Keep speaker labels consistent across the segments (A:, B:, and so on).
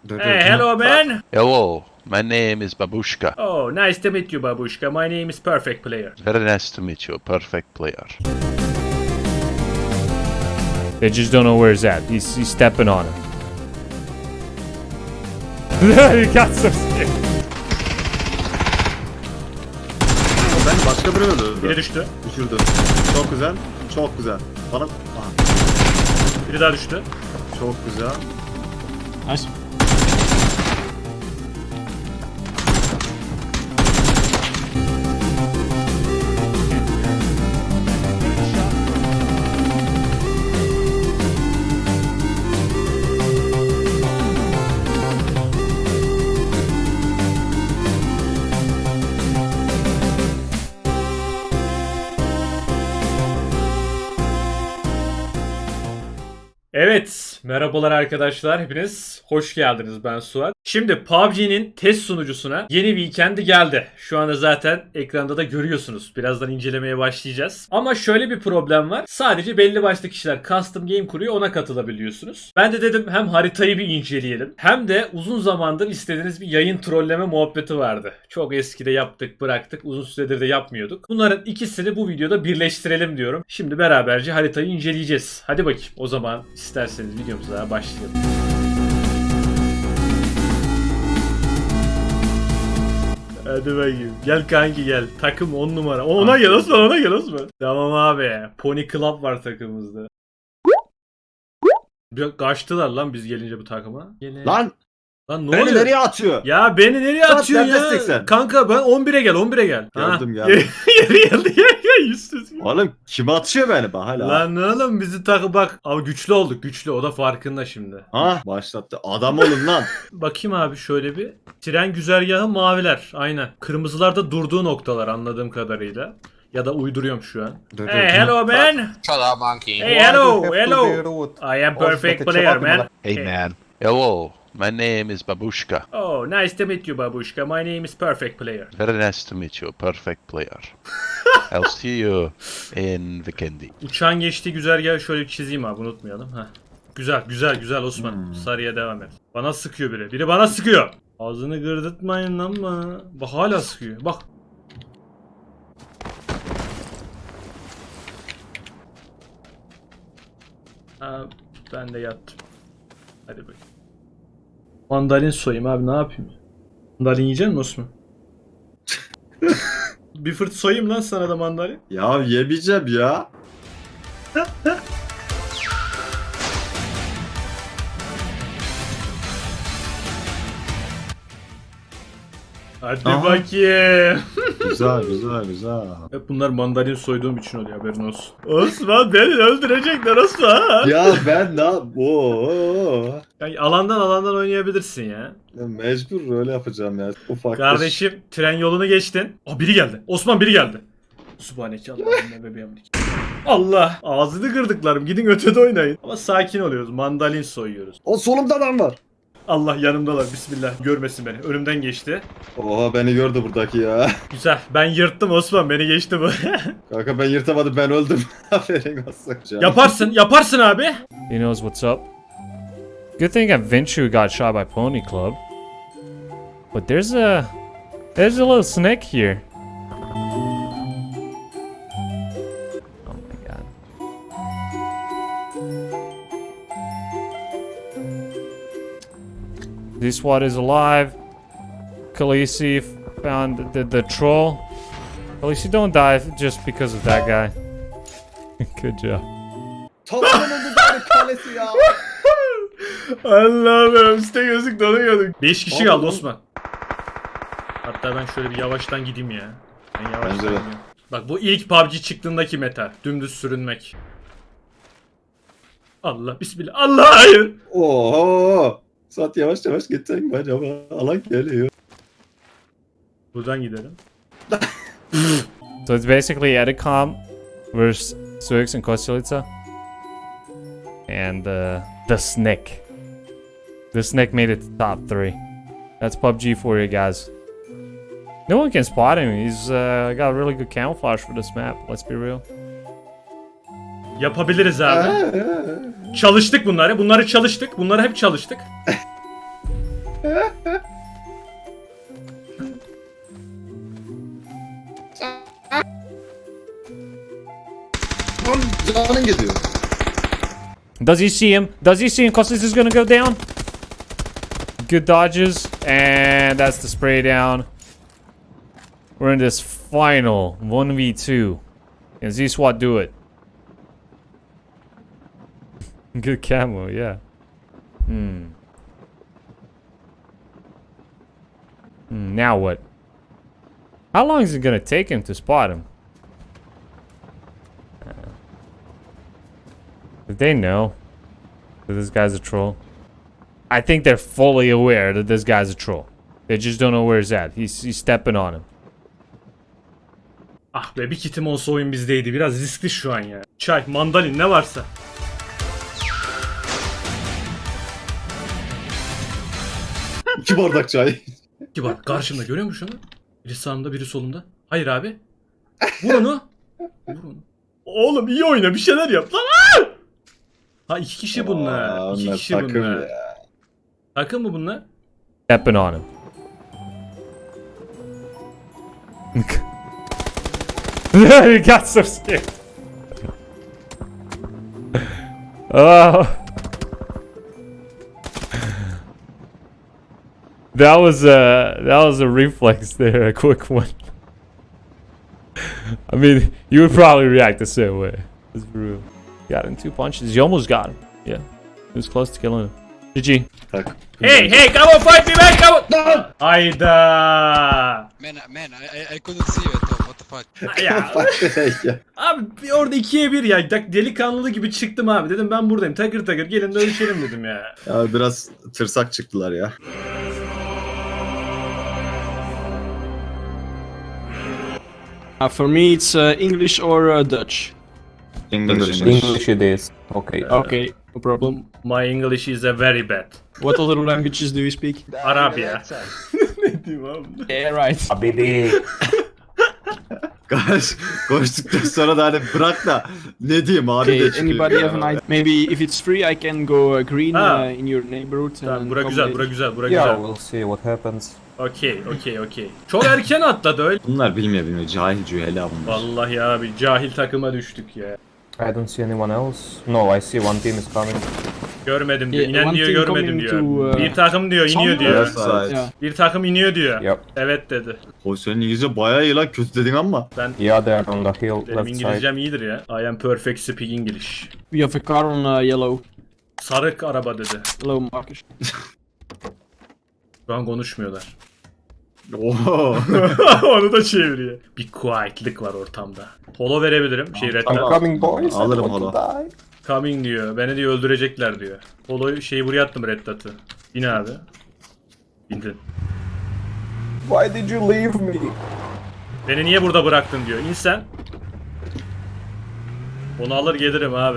A: Hey, hello, man.
B: Hello, my name is Babushka.
A: Oh, nice to meet you, Babushka. My name is Perfect Player.
B: Very nice to meet you, perfect player.
C: They just don't know where he's at. He's stepping on him. He got so scared.
D: Ben başka biri öldü.
A: Biri düştü.
D: Düşürdü. Çok güzel. Çok güzel. Bana... Aha,
A: Biri daha düştü.
D: çok güzel.
E: Nice.
A: Evet, merhabalar arkadaşlar. Hepiniz hoş geldiniz. Ben Suat. Şimdi PUBG'nin test sunucusuna yeni bir weekend'i geldi. Şu anda zaten ekranda da görüyorsunuz. Birazdan incelemeye başlayacağız. Ama şöyle bir problem var. Sadece belli başlı kişiler custom game kuruyor, ona katılabiliyorsunuz. Ben de dedim hem haritayı bir inceleyelim hem de uzun zamandır istediğiniz bir yayın trolleme muhabbeti vardı. Çok eskide yaptık, bıraktık. Uzun süredir de yapmıyorduk. Bunların ikisini bu videoda birleştirelim diyorum. Şimdi beraberce haritayı inceleyeceğiz. Hadi bakayım o zaman isterseniz videomuza başlayalım. Hadi bakayım. Gel kanki gel. Takım 10 numara. Ona gel Osman, ona gel Osman. Tamam abi. Pony Club var takımımızda. Kaçtılar lan biz gelince bu takıma.
D: Lan!
A: Lan ne
D: Beni
A: oluyor?
D: nereye atıyor?
A: Ya beni nereye
D: Suat,
A: atıyorsun
D: neredesin
A: ya?
D: sen?
A: Kanka ben 11'e gel, 11'e gel.
D: Geldim,
A: Ha.
D: geldim.
A: Geri geldi ya yüzsüz.
D: Oğlum kim atıyor beni bak hala?
A: Lan oğlum bizi takı bak. Ama güçlü olduk, güçlü. O da farkında şimdi.
D: Ha başlattı. Adam olun lan.
A: Bakayım abi şöyle bir. Tren güzergahı maviler. Aynen. Kırmızılar da durduğu noktalar anladığım kadarıyla. Ya da uyduruyorum şu an. Hey, hello man.
E: Shut up, monkey.
A: Hey, hello, hello. I am perfect player, man.
B: Hey man. Hello, my name is Babushka.
A: Oh, nice to meet you, Babushka. My name is Perfect Player.
B: Very nice to meet you, perfect player. I'll see you in Vikendi.
A: Uçağın geçtiği güzergahı şöyle bir çizeyim abi, unutmayalım. Heh. Güzel, güzel, güzel Osman. Sarıya devam et. Bana sıkıyor biri. Biri bana sıkıyor. Ağzını gırdırtmayın lan bana. Bak hala sıkıyor. Bak. Ha, ben de yattım. Hadi bakayım. Mandalin soyayım abi, ne yapayım? Mandalin yiyecek misin Osman? Bir fırt soyayım lan sana da mandalin.
D: Ya yemeyeceğim ya.
A: Hadi
D: Aha.
A: bakayım.
D: Güzel güzel güzel.
A: Hep bunlar mandalin soyduğum için oluyor, haberin olsun. Osman beni öldürecekler Osman.
D: Ya ben ne yap? Oo.
A: Yani alandan oynayabilirsin ya.
D: Ya mecbur öyle yapacağım ya. Ufak.
A: Kardeşim tren yolunu geçtin. Aa biri geldi. Osman biri geldi. Subhaneke Allah'ım bebeğim. Allah. Ağzını kırdıklarım. Gidin ötede oynayın. Ama sakin oluyoruz. Mandalin soyuyoruz.
D: O solumda adam var.
A: Allah yanımdalar. Bismillah. Görmesin beni. Önümden geçti.
D: Oha beni gördü buradaki ya.
A: Güzel. Ben yırttım Osman. Beni geçti bu.
D: Kanka ben yırtamadım ben öldüm. Aferin olsun.
A: Yaparsın. Yaparsın abi.
C: He knows what's up. Good thing eventually got shot by Pony Club. But there's a little snake here. Oh my god. This SWAT is alive. Khaleesi found the troll. Khaleesi, don't die just because of that guy. Good job.
D: Tamamen öldü bari kalesi ya.
A: Allah'ım üstte gözlük dolanıyorduk. 5 kişi kaldı
D: Oğlum.
A: Osman. Hatta ben şöyle bir yavaştan gideyim ya. Ben yavaştan
D: Bence de.
A: gidiyorum. Bak bu ilk PUBG çıktığındaki meta. Dümdüz sürünmek. Allah bismillah. Allah hayır.
D: Oho. Saat yavaş yavaş gidecek mi acaba? Alan geliyor.
A: Buradan gidelim.
C: So it's basically Edicom versus Suix and Kostelica. And the Snake. The Snake made it to top 3. That's PUBG for you guys. No one can spot him. He's got really good camouflage for this map. Let's be real.
A: Yapabiliriz abi. Çalıştık bunları. Bunları çalıştık. Bunları hep çalıştık.
D: Lan canın gidiyor.
C: Does he see him? Does he see him? Costas is gonna go down. Good dodges. And that's the spray down. We're in this final 1v2. Can Z-SWAT do it? Good camo, yeah. Now what? How long is it gonna take him to spot him? Did they know that this guy's a troll? I think they're fully aware that this guy's a troll. They just don't know where he's at. He's stepping on him.
A: Ah be, bir kitim olsa oyun bizdeydi. Biraz riskli şu an ya. Çay, mandalin ne varsa.
D: İki bardak çay.
A: Ki bak karşımda, görüyor musun şunu? Biri sağımda, biri solumda. Hayır abi. Vur onu. Vur onu. Oğlum iyi oyna, bir şeyler yap lan. Aa! Ha, iki kişi bunlar. İki
D: Onlar
A: kişi
D: takım
A: bunlar.
D: ya.
A: Takım mı bunlar?
C: Stepping on him. He got so scared. Oh. That was a reflex there, a quick one. I mean, you would probably react the same way. It's real. Got him 2 punches. You almost got him. Yeah. He was close to killing him. GG.
D: Tak.
A: Hey, come on, fight me man, come on. Hayda.
F: Man, I couldn't see you at all. What the fuck?
A: Ya. Abi orada 2'ye 1 ya. Delikanlı gibi çıktım abi. Dedim ben buradayım. Takır takır gelin dövüşelim dedim ya.
D: Ya biraz tırsak çıktılar ya.
G: For me, it's English or Dutch.
H: English it is. Okay.
G: Okay, no problem.
A: My English is a very bad.
G: What other languages do you speak?
A: Arabia. Ne diyeyim abi?
G: Yeah, right.
H: Abidi.
D: Koştuktan sonra da hani bırak da ne diyeyim abi
G: Okay,
D: de çıkıyor.
G: anybody
D: ya.
G: have an idea? Maybe if it's free, I can go green
A: Ah.
G: in your neighborhood.
A: Tamam,
G: and
A: bura
G: come
A: güzel,
G: with-
A: bura güzel, bura
H: Yeah,
A: güzel.
H: we'll see what happens.
A: Okey. Çok erken atladı öyle.
D: Bunlar bilmiyor. Cahil cühela bunlar.
A: Vallahi abi cahil takıma düştük ya.
H: I don't see anyone else. No, I see one team is coming.
A: Görmedim diyor.
G: Yeah,
A: İnen
G: one
A: diyor,
G: team
A: görmedim
G: coming
A: diyor.
G: to,
A: Bir takım diyor, iniyor
G: somewhere.
A: diyor.
D: Evet.
G: Yeah.
A: Bir takım iniyor diyor.
H: Yep.
A: Evet dedi.
D: O senin İngilizce bayağı iyi lan, kötü dedin ama.
H: Yeah, they're on the hill
A: Benim
H: left side.
A: İngilizcem iyidir ya. I am perfect speak English.
G: We have a car on yellow.
A: Sarı araba dedi.
G: Hello, Marcus.
A: Şu an konuşmuyorlar.
D: Oho.
A: Onu da çeviriyor. Bir quietlik var ortamda. Polo verebilirim. Red
H: I'm
A: Dot.
H: coming, boys.
D: Alırım
H: I want to die.
A: Coming diyor. Beni diyor öldürecekler diyor. Polo'yu şeyi buraya attım, Red Dot'ı. Bin abi. Bindin.
H: Why did you leave me?
A: Beni niye burada bıraktın diyor. İn sen. Onu alır gelirim abi.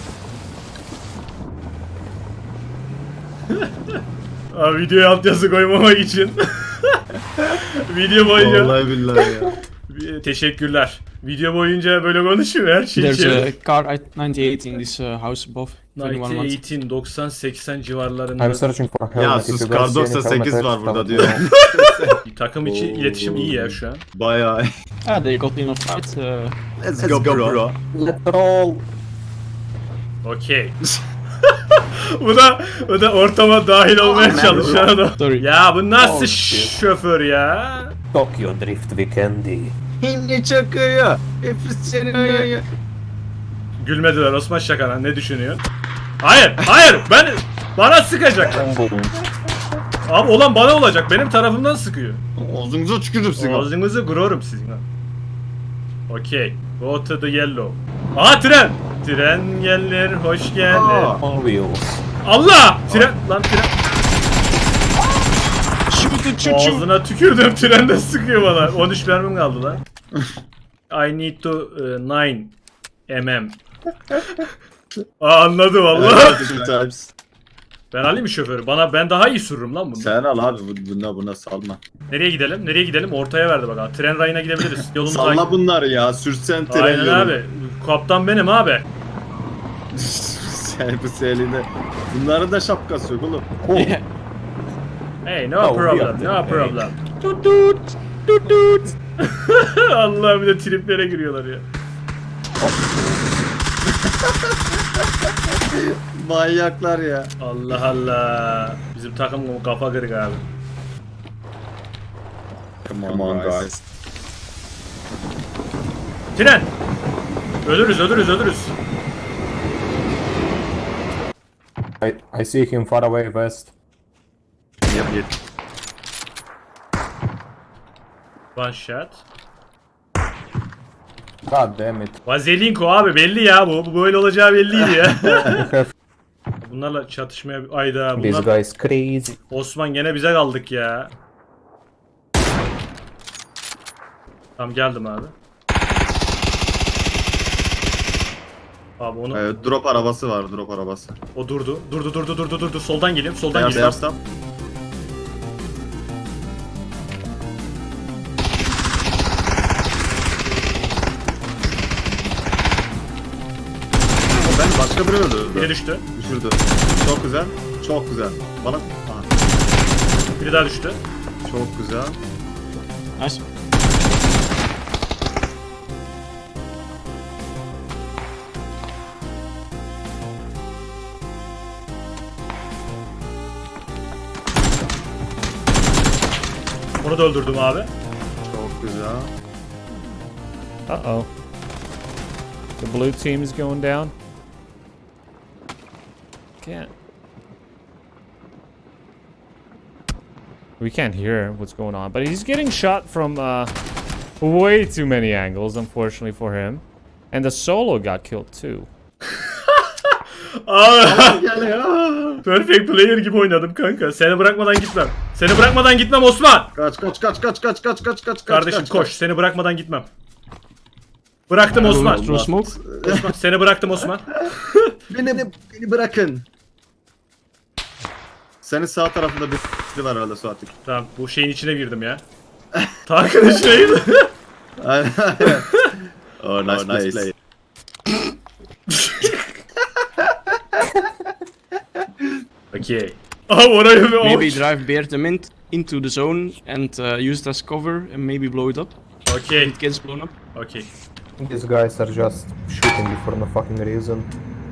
A: Abi videoya altyazı koymamak için. Video boyunca.
D: Vallahi billahi ya.
A: Teşekkürler. Video boyunca böyle konuşuyor her şey.
G: There's a car at 98 in this house above. 21 months.
A: 18, 90, 80 civarlarında.
H: I'm searching for a helmet.
D: Ya
H: If
D: sus,
H: you
D: kar
H: guys see any
D: 98
H: helmet,
D: var
H: just
D: burada
H: tell
D: diyor.
H: me.
A: Takım içi iletişim iyi ya şu an.
D: Bayağı.
G: Ah, they got enough fight.
D: Let's go bro.
H: Let's roll.
A: Okey. bu da ortama dahil olmaya çalışan adam.
G: Sorry.
A: Ya bu nasıl
H: Oh, shit.
A: şoför ya?
H: Tokyo Drift Weekendi.
D: Hindi çakıyor. Hepsi senin.
A: Gülmediler Osman Şakan'a, ne düşünüyor? Hayır bana sıkacak.
H: Boom, boom.
A: Abi olan bana olacak, benim tarafımdan sıkıyor.
D: Ağzınıza tükürürüm seni.
A: Ağzınızı kırarım sizin. Okey. Go to the yellow. Aha tren. Tren gelir, hoş gelir.
D: Aa.
H: On wheels.
A: Allah! Tren lan tren.
G: Shoot the choo-choo!
A: Ağzına tükürdüm, tren de sıkıyor bana. 13 mermim kaldı lan. I need to 9 mm. Aa, anladı vallahi.
D: Two times.
A: Ben alayım mı şoförü? Ben daha iyi sürürüm lan bunu.
D: Sen al abi, buna salma.
A: Nereye gidelim? Nereye gidelim? Ortaya verdi bak. Tren rayına gidebiliriz. Yolun
D: Salla bunları ya, sürsen tren
A: Aynen
D: yolu.
A: abi. Kaptan benim abi.
D: Sen bu elinde. Bunların da şapkası yok oğlum.
G: Yeah.
A: Hey, no
H: Oh,
A: problem,
H: yeah.
A: no problem. Tut tut, tut tut. Allah'ım bir de triplere giriyorlar ya.
D: Manyaklar ya.
A: Allah Allah. Bizim takım kafa kırık abi.
D: Come on guys.
A: Tren! Ölürüz, ölürüz, ölürüz.
H: I see him far away west.
D: Yep.
A: One shot.
H: God damn it.
A: Vazelinko abi belli ya bu. Bu böyle olacağı belliydi ya.
H: You have
A: Bunlarla çatışmaya... Ayda
H: this
A: bunlar...
H: guy's crazy.
A: Osman gene bize kaldık ya. Tamam geldim abi. Abi onu...
D: Drop arabası var, drop arabası.
A: O durdu. Durdu. Soldan geliyorum, soldan
D: Beyaz
A: geliyorum.
D: tam. Ben başka biri öldü.
A: Biri düştü.
D: Düşürdü. Çok güzel. Çok güzel. Bana... Aha,
A: Biri daha düştü.
D: çok güzel.
G: Nice.
A: Onu da öldürdüm abi.
D: Çok güzel.
C: Uh-oh. The blue team is going down. Can't. We can't hear what's going on, but he's getting shot from way too many angles, unfortunately for him. And the solo got killed too.
A: Aa,
D: Gel ya.
A: perfect player gibi oynadım kanka. Seni bırakmadan gitmem. Seni bırakmadan gitmem Osman.
D: Kaç.
A: Kardeşim koş. Seni bırakmadan gitmem. Bıraktım Osman.
G: Throw smoke.
A: Osman. Seni bıraktım Osman.
D: Beni bırakın. Senin sağ tarafında biri var herhalde Suat'ın.
A: Tamam bu şeyin içine girdim ya. Tankın içine girdim.
D: Aynen. Oh, nice play.
A: Okay. Oh, oraya bir
G: Maybe
A: ouch.
G: drive bear the mint into the zone and use it as cover and maybe blow it up.
A: Okay.
G: It gets blown up.
A: Okay.
H: These guys are just shooting me for no fucking reason.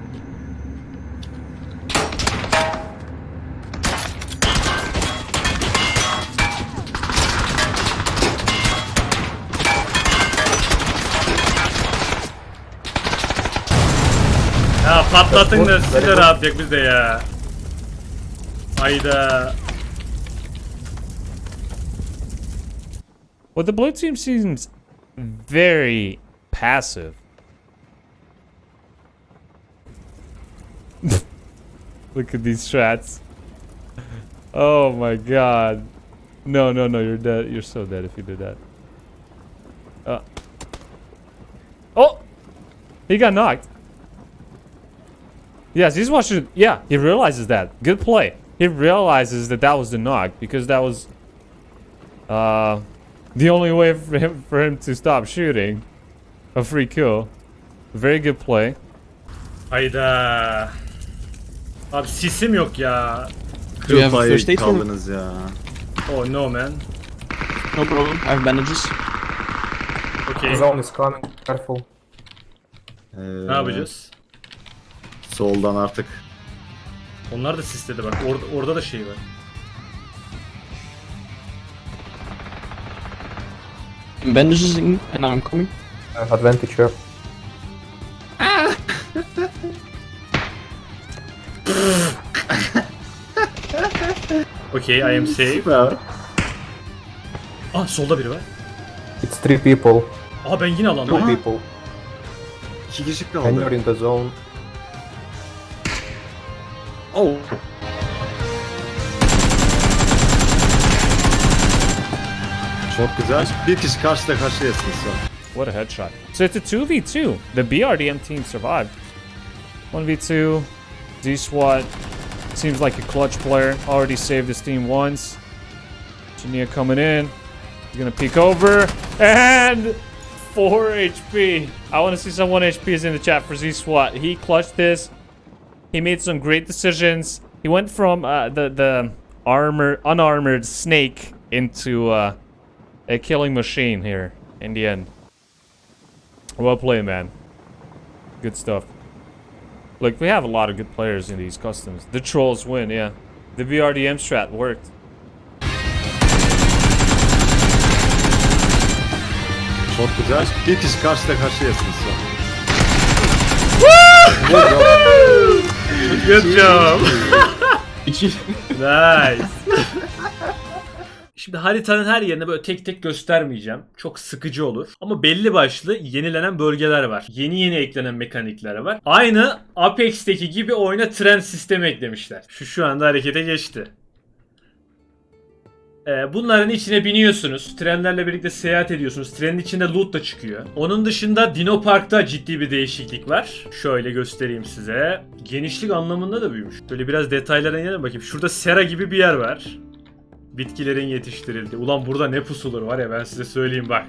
A: Ya patlatın da
H: Very
A: siz de
H: good.
A: rahat yak biz de ya. Hayda.
C: Well, the blue team seems very passive. Look at these strats. Oh my god. No, you're dead. You're so dead if you did that. Oh! He got knocked. Yes, he's watching. Yeah, he realizes that. Good play. He realizes that that was the knock because that was the only way for him to stop shooting. A free kill. Very good play.
A: Hayda. Abi sisim yok ya.
G: Do you have a
D: Kıl
G: first aid
D: payı
G: for me?
D: kaldınız ya.
A: Oh no man.
G: No problem. I have bandages.
A: Okay.
H: Zone is coming. Careful.
A: Ne yapacağız?
D: Soldan artık.
A: Onlar da sisledi bak. Orada da şey var.
G: Bandages in and I'm coming.
H: Advantage here.
A: Okay, I am safe.
D: Süper.
A: Ah solda biri var.
H: It's 3 people.
A: Aa ben yine
H: 2
A: alandayım.
H: people.
D: 2 kişi
H: And you're
D: kaldı.
H: in the zone.
D: Oh. Çok güzel. Bir kişi karşıda karşıyasın şu an.
C: What a headshot. So it's a 2v2. The BRDM team survived. 1v2. Z-SWAT seems like a clutch player. Already saved his team once. Chinia coming in. He's gonna peek over. And 4 HP. I want to see some 1 HPs in the chat for Z-SWAT. He clutched this. He made some great decisions. He went from the unarmored snake into a killing machine here in the end. Well played, man. Good stuff. Look, we have a lot of good players in these customs. The trolls win, yeah. The BRDM strat worked.
D: Çok güzel. Bir kişi karşıda karşıyasın şu an.
A: Good job.
G: İki.
A: Nice. Şimdi haritanın her yerine böyle tek tek göstermeyeceğim. Çok sıkıcı olur. Ama belli başlı yenilenen bölgeler var. Yeni eklenen mekanikler var. Aynı Apex'teki gibi oyuna tren sistemi eklemişler. Şu anda harekete geçti. Bunların içine biniyorsunuz. Trenlerle birlikte seyahat ediyorsunuz. Trenin içinde loot da çıkıyor. Onun dışında Dino Park'ta ciddi bir değişiklik var. Şöyle göstereyim size. Genişlik anlamında da büyümüş. Böyle biraz detaylara inelim bakayım. Şurada sera gibi bir yer var. Bitkilerin yetiştirildiği. Ulan burada ne pusulur var ya, ben size söyleyeyim bak.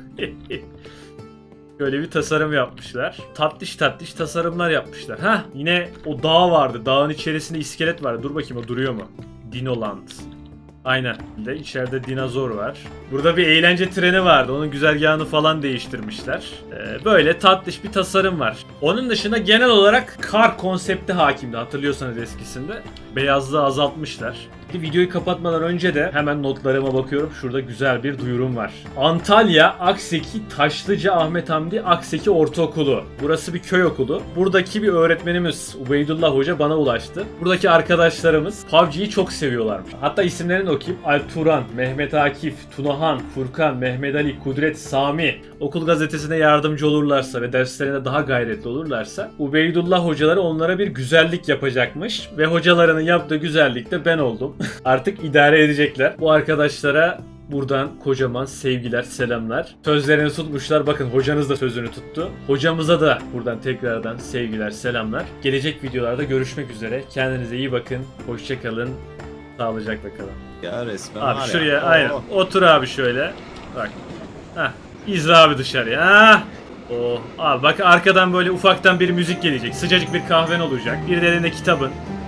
A: Böyle bir tasarım yapmışlar. Tatlış tasarımlar yapmışlar. Hah, yine o dağ vardı. Dağın içerisinde iskelet vardı. Dur bakayım, o duruyor mu? Dinoland. Aynen. İçeride dinozor var. Burada bir eğlence treni vardı. Onun güzergahını falan değiştirmişler. Böyle tatlış bir tasarım var. Onun dışında genel olarak kar konsepti hakimdi. Hatırlıyorsanız eskisinde. Beyazlığı azaltmışlar. Videoyu kapatmadan önce de hemen notlarıma bakıyorum. Şurada güzel bir duyurum var. Antalya Akseki Taşlıca Ahmet Hamdi Akseki Ortaokulu. Burası bir köy okulu. Buradaki bir öğretmenimiz Ubeydullah Hoca bana ulaştı. Buradaki arkadaşlarımız PUBG'yi çok seviyorlarmış. Hatta isimlerini okuyayım. Alp Turan, Mehmet Akif, Tunahan, Furkan, Mehmet Ali, Kudret, Sami. Okul gazetesine yardımcı olurlarsa ve derslerine daha gayretli olurlarsa Ubeydullah hocaları onlara bir güzellik yapacakmış. Ve hocalarının yaptığı güzellik de ben oldum. Artık idare edecekler. Bu arkadaşlara buradan kocaman sevgiler, selamlar. Sözlerini tutmuşlar. Bakın, hocanız da sözünü tuttu. Hocamıza da buradan tekrardan sevgiler, selamlar. Gelecek videolarda görüşmek üzere. Kendinize iyi bakın. Hoşça kalın. Sağlıcakla kalın.
D: Ya resmen
A: Abi
D: var
A: şuraya
D: ya.
A: aynen.
D: Oo.
A: Otur abi şöyle. Bak. Hah. İzle abi dışarıya. Hah. Oh. Abi bak, arkadan böyle ufaktan bir müzik gelecek. Sıcacık bir kahven olacak. Bir de elinde kitabın.